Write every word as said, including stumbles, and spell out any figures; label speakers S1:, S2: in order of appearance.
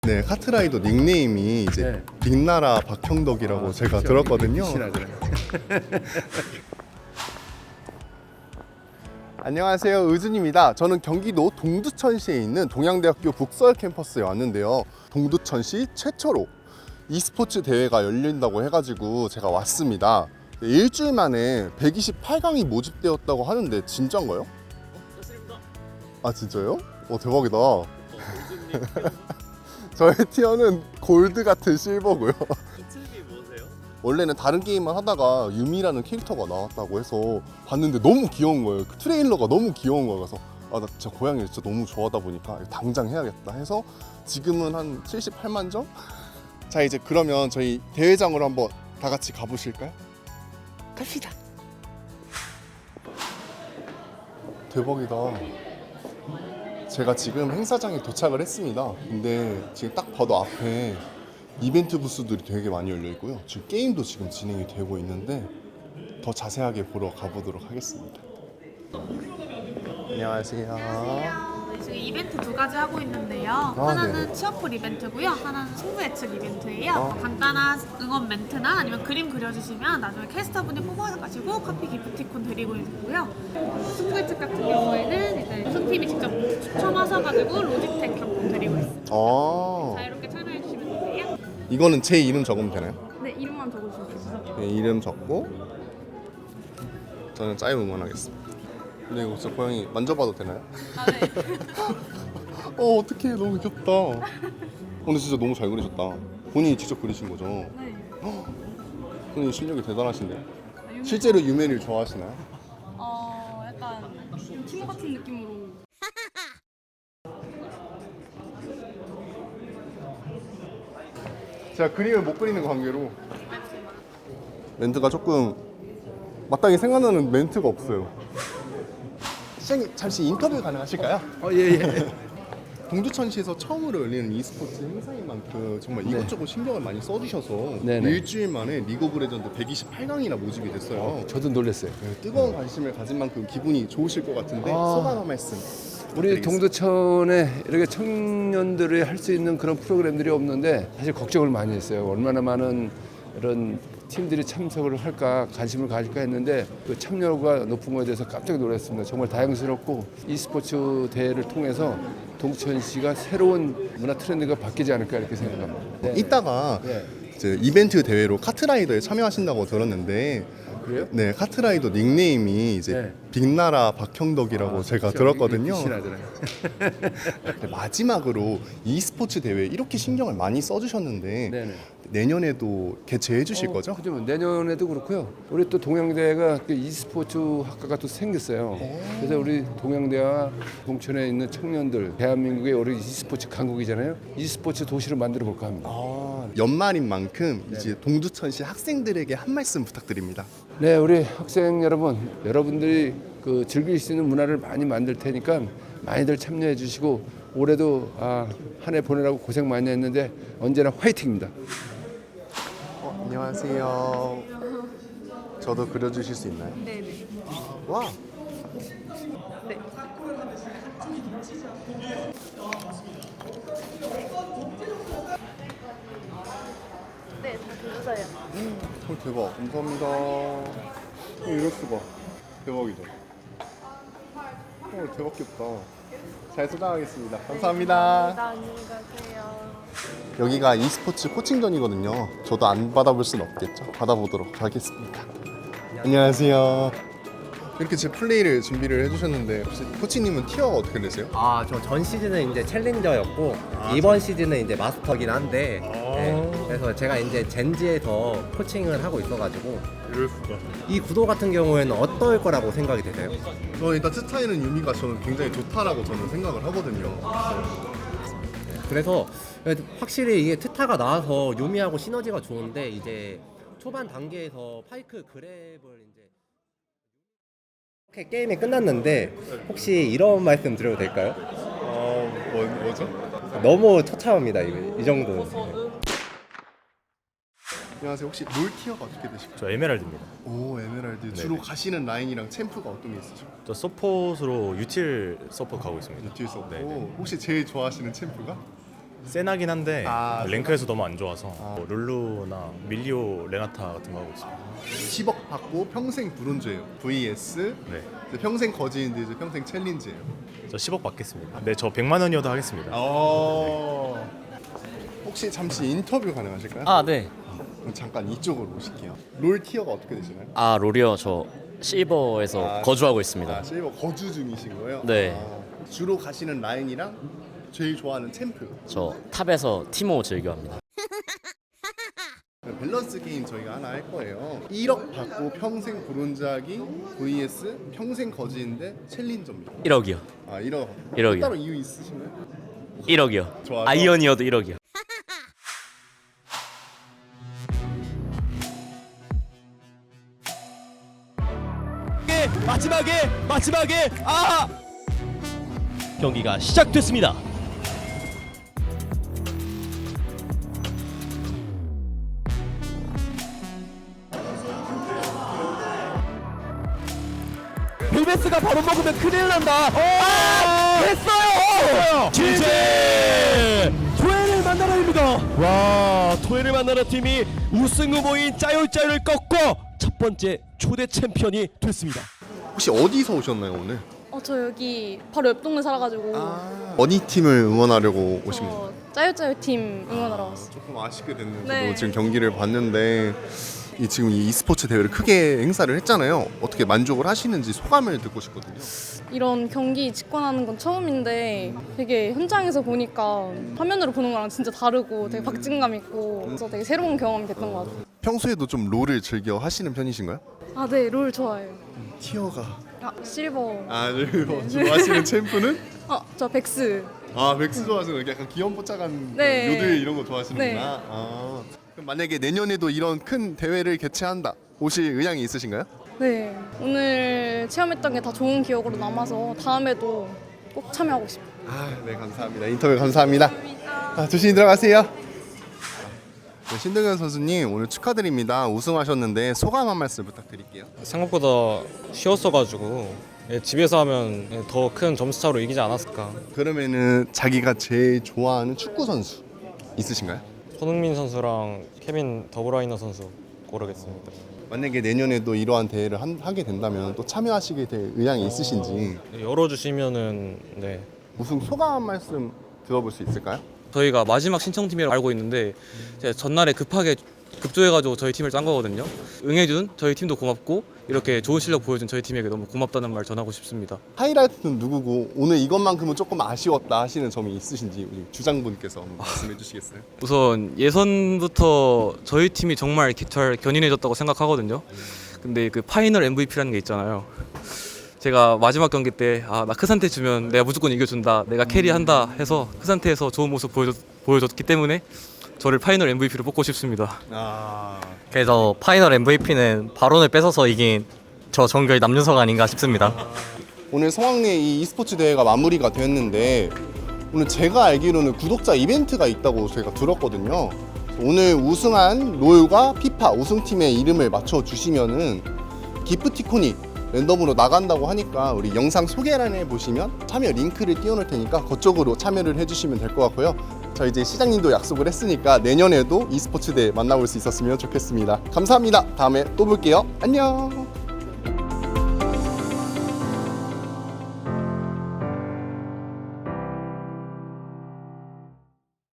S1: 네, 카트라이더 닉네임이 이제
S2: 네.
S1: 빅나라 박형덕이라고
S2: 아,
S1: 제가
S2: 그렇죠.
S1: 들었거든요.
S2: 신하더라고요.
S1: 안녕하세요, 의준입니다. 저는 경기도 동두천시에 있는 동양대학교 북설 캠퍼스에 왔는데요. 동두천시 최초로 e스포츠 대회가 열린다고 해가지고 제가 왔습니다. 일주일 만에 백이십팔 강이 모집되었다고 하는데 진짠가요?
S3: 맞습니다.
S1: 아 진짜요? 어 대박이다. 저의 티어는 골드 같은 실버고요.
S3: 이층이 뭐세요?
S1: 원래는 다른 게임만 하다가 유미라는 캐릭터가 나왔다고 해서 봤는데 너무 귀여운 거예요. 그 트레일러가 너무 귀여운 거예요. 그래서 아, 나 진짜 고양이를 진짜 너무 좋아하다 보니까 당장 해야겠다 해서 지금은 한 칠십팔만 점? 자 이제 그러면 저희 대회장으로 한번 다 같이 가보실까요? 갑시다. 대박이다. 제가 지금 행사장에 도착을 했습니다. 근데 지금 딱 봐도 앞에 이벤트 부스들이 되게 많이 열려 있고요. 지금 게임도 지금 진행이 되고 있는데 더 자세하게 보러 가보도록 하겠습니다. 안녕하세요.
S4: 지금 이벤트 두 가지 하고 있는데요.
S1: 아,
S4: 하나는
S1: 네.
S4: 취업풀 이벤트고요. 하나는 승부 예측 이벤트예요.
S1: 아.
S4: 간단한 응원 멘트나 아니면 그림 그려주시면 나중에 캐스터분이 뽑아가지고 커피 기프티콘 드리고 있고요. 승부 예측 같은 경우에는 이제 우승팀이 직접 추첨하셔가지고 로지텍 경품 드리고 있어요.
S1: 아,
S4: 자유롭게 참여해 주시면 되세요.
S1: 이거는 제 이름 적으면 되나요?
S4: 네, 이름만 적어주시면 돼요.
S1: 네, 이름 적고 저는 짜임 응원하겠습니다. 근데 이거 진짜 고양이 만져봐도 되나요?
S4: 아, 네.
S1: 어 어떡해, 너무 귀엽다. 어, 근데 진짜 너무 잘 그리셨다. 본인이 직접 그리신 거죠?
S4: 네.
S1: 본인 실력이 대단하신데요? 실제로 유메리를 좋아하시나요?
S4: 어, 약간 팀 같은 느낌으로.
S1: 제가 그림을 못 그리는 관계로 멘트가 조금 마땅히 생각나는 멘트가 없어요. 시장님 잠시 인터뷰 가능하실까요?
S2: 어, 예, 예.
S1: 동두천시에서 처음으로 열리는 e스포츠 행사인 만큼 정말 이것저것 신경을 많이 써주셔서
S2: 네네.
S1: 일주일 만에 리그 오브 레전드 백이십팔 강이나 모집이 됐어요.
S2: 저도 놀랐어요.
S1: 네, 뜨거운 관심을 가진 만큼 기분이 좋으실 것 같은데
S2: 아.
S1: 소감 한 말씀
S2: 우리
S1: 부탁드리겠습니다.
S2: 동두천에 이렇게 청년들이 할 수 있는 그런 프로그램들이 없는데 사실 걱정을 많이 했어요. 얼마나 많은 이런 팀들이 참석을 할까 관심을 가질까 했는데 그 참여가 높은 것에 대해서 깜짝 놀랐습니다. 정말 다행스럽고 e스포츠 대회를 통해서 동두천시가 새로운 문화 트렌드가 바뀌지 않을까 이렇게 생각합니다. 네.
S1: 이따가
S2: 네.
S1: 이제 이벤트 대회로 카트라이더에 참여하신다고 들었는데
S2: 그래요?
S1: 네, 카트라이더 닉네임이 이제
S2: 네.
S1: 빅나라 박형덕이라고
S2: 아,
S1: 제가
S2: 그렇죠.
S1: 들었거든요.
S2: 신하더라고요.
S1: 근데 마지막으로 e스포츠 대회 이렇게 신경을 많이 써주셨는데
S2: 네네.
S1: 내년에도 개최해 주실
S2: 어,
S1: 거죠?
S2: 그죠. 내년에도 그렇고요. 우리 또 동양대가 그 e스포츠 학과가 또 생겼어요. 그래서 우리 동양대와 동천에 있는 청년들, 대한민국의 우리 e스포츠 강국이잖아요. e스포츠 도시를 만들어 볼까 합니다.
S1: 아, 연말인 만큼 이제 동두천시 학생들에게 한 말씀 부탁드립니다.
S2: 네, 우리 학생 여러분, 여러분들이 그 즐길 수 있는 문화를 많이 만들 테니까 많이들 참여해 주시고 올해도 아, 한 해 보내라고 고생 많이 했는데 언제나 화이팅입니다.
S1: 어, 안녕하세요. 저도 그려주실 수 있나요?
S4: 네네.
S1: 와.
S4: 네. 네, 다 들으세요.
S1: 헐 대박. 감사합니다. 어, 이럴 수가. 대박이죠. 어, 대박 귀엽다. 잘 소장하겠습니다. 감사합니다.
S4: 안녕히 가세요.
S1: 여기가 e스포츠 코칭전이거든요. 저도 안 받아볼 순 없겠죠. 받아보도록 하겠습니다. 안녕하세요. 이렇게 제 플레이를 준비를 해주셨는데 혹시 코치님은 티어가 어떻게 되세요?
S3: 아, 저 전 시즌은 이제 챌린저였고 이번 시즌은 이제 마스터긴 한데 네, 그래서 제가 이제 젠지에서 코칭을 하고 있어가지고
S1: 이럴 수가.
S3: 이 구도 같은 경우에는 어떨 거라고 생각이 되세요?
S1: 저는 일단 스타일은 유미가 저는 굉장히 좋다라고 저는 생각을 하거든요.
S3: 그래서 확실히 이게 트타가 나와서 유미하고 시너지가 좋은데 이제 초반 단계에서 파이크 그랩을 이제 이렇게 게임이 끝났는데 혹시 이런 말씀 드려도 될까요?
S1: 어, 뭐, 뭐죠?
S3: 너무 처참합니다. 이, 이 정도.
S1: 안녕하세요. 혹시 롤 티어가 어떻게 되실까요?
S5: 저 에메랄드입니다.
S1: 오, 에메랄드. 주로 가시는 라인이랑 챔프가 어떤 게 있으죠?
S5: 저 서폿으로 유틸 서폿 가고 있습니다.
S1: 유틸 서포.
S5: 네, 네.
S1: 혹시 제일 좋아하시는 챔프가?
S5: 세나긴 한데
S1: 아,
S5: 랭크에서 너무 안 좋아서
S1: 아.
S5: 뭐 룰루나 밀리오 레나타 같은 거 하고 있습니다.
S1: 십억 받고 평생 브론즈예요. vs
S5: 네,
S1: 이제 평생 거지인데 이제 평생 챌린지예요.
S5: 저 십억 받겠습니다. 네, 저 백만 원이어도 하겠습니다.
S1: 어. 혹시 잠시 인터뷰 가능하실까요?
S6: 아, 네.
S1: 그럼 잠깐 이쪽으로 오실게요. 롤 티어가 어떻게 되시나요?
S6: 아, 롤이요. 저 실버에서
S1: 아,
S6: 거주하고 있습니다.
S1: 아, 실버 거주 중이신 거예요?
S6: 네.
S1: 아, 주로 가시는 라인이랑 제일 좋아하는 챔프.
S6: 저 탑에서 티모 즐겨합니다.
S1: 밸런스 게임 저희가 하나 할 거예요. 일억 받고 평생 브론즈하기 vs 평생 거지인데 챌린저입니다.
S6: 일억이요.
S1: 아 일억.
S6: 일억이요.
S1: 따로 이유 있으신가요?
S6: 일억이요.
S1: 좋아서?
S6: 아이언이어도 일억이요.
S7: 마지막에 마지막에 아 경기가 시작됐습니다. 힐베스가 바로 먹으면 큰일 난다. 아, 됐어요. 지제 토해를 만나러입니다. 와, 토해를 만나러 팀이 우승 후보인 짜요짜요를 꺾고 첫 번째 초대 챔피언이 됐습니다.
S1: 혹시 어디서 오셨나요 오늘?
S8: 어, 저 여기 바로 옆 동네 살아가지고
S1: 어디 팀을 응원하려고 오신 거예요?
S8: 저 짜요짜요 팀 응원하러 왔어요.
S1: 조금 아쉽게 됐는데
S8: 네.
S1: 저도 지금 경기를 봤는데 이 지금 이 e스포츠 대회를 크게 행사를 했잖아요. 어떻게 만족을 하시는지 소감을 듣고 싶거든요.
S8: 이런 경기 직관하는 건 처음인데 되게 현장에서 보니까 화면으로 보는 거랑 진짜 다르고 되게 박진감 있고 그래서 되게 새로운 경험이 됐던 것 같아요.
S1: 평소에도 좀 롤을 즐겨 하시는 편이신가요?
S8: 아, 네, 롤 좋아해요.
S1: 티어가
S8: 아, 실버.
S1: 아 롤 좋아하시는 챔프는?
S8: 어, 저 백스.
S1: 아 백스 좋아하시는 거 약간 귀염뽀짝한
S8: 네.
S1: 요들 이런 거 좋아하시는구나.
S8: 네.
S1: 아, 그럼 만약에 내년에도 이런 큰 대회를 개최한다 오실 의향이 있으신가요?
S8: 네, 오늘 체험했던 게 다 좋은 기억으로 남아서 다음에도 꼭 참여하고 싶어요.
S1: 아, 네 감사합니다. 인터뷰 감사합니다. 아, 조심히 들어가세요. 네, 신동현 선수님 오늘 축하드립니다. 우승하셨는데 소감 한 말씀 부탁드릴게요.
S9: 생각보다 쉬웠어가지고 예, 집에서 하면 더 큰 점수차로 이기지 않았을까.
S1: 그러면은 자기가 제일 좋아하는 축구 선수 있으신가요?
S9: 손흥민 선수랑 케빈 더브라이너 선수 고르겠습니다.
S1: 만약에 내년에도 이러한 대회를 한, 하게 된다면 또 참여하시게 될 의향이 있으신지
S9: 열어주시면은 네.
S1: 우승 소감 한 말씀 들어볼 수 있을까요?
S9: 저희가 마지막 신청팀이라고 알고 있는데 제가 전날에 급하게 급조해가지고 저희 팀을 짠 거거든요. 응해준 저희 팀도 고맙고 이렇게 좋은 실력 보여준 저희 팀에게 너무 고맙다는 말 전하고 싶습니다.
S1: 하이라이트는 누구고 오늘 이것만큼은 조금 아쉬웠다 하시는 점이 있으신지 우리 주장분께서 한번 말씀해 주시겠어요?
S9: 우선 예선부터 저희 팀이 정말 잘 견인해줬다고 생각하거든요. 근데 그 파이널 엠브이피라는 게 있잖아요. 제가 마지막 경기 때 아, 나 크산테 주면 내가 무조건 이겨준다, 내가 캐리한다 해서 크산테에서 좋은 모습 보여줬, 보여줬기 때문에 저를 파이널 엠브이피로 뽑고 싶습니다.
S1: 아,
S6: 그래서 파이널 엠브이피는 발언을 뺏어서 이긴 저 정글 남윤석 아닌가 싶습니다.
S1: 오늘 성황리에 이 e스포츠 대회가 마무리가 됐는데 오늘 제가 알기로는 구독자 이벤트가 있다고 제가 들었거든요. 오늘 우승한 롤과 피파 우승팀의 이름을 맞춰주시면은 기프티콘이 랜덤으로 나간다고 하니까 우리 영상 소개란에 보시면 참여 링크를 띄워놓을 테니까 그쪽으로 참여를 해주시면 될 것 같고요. 저 이제 시장님도 약속을 했으니까 내년에도 e스포츠 대회 만나볼 수 있었으면 좋겠습니다. 감사합니다. 다음에 또 볼게요. 안녕.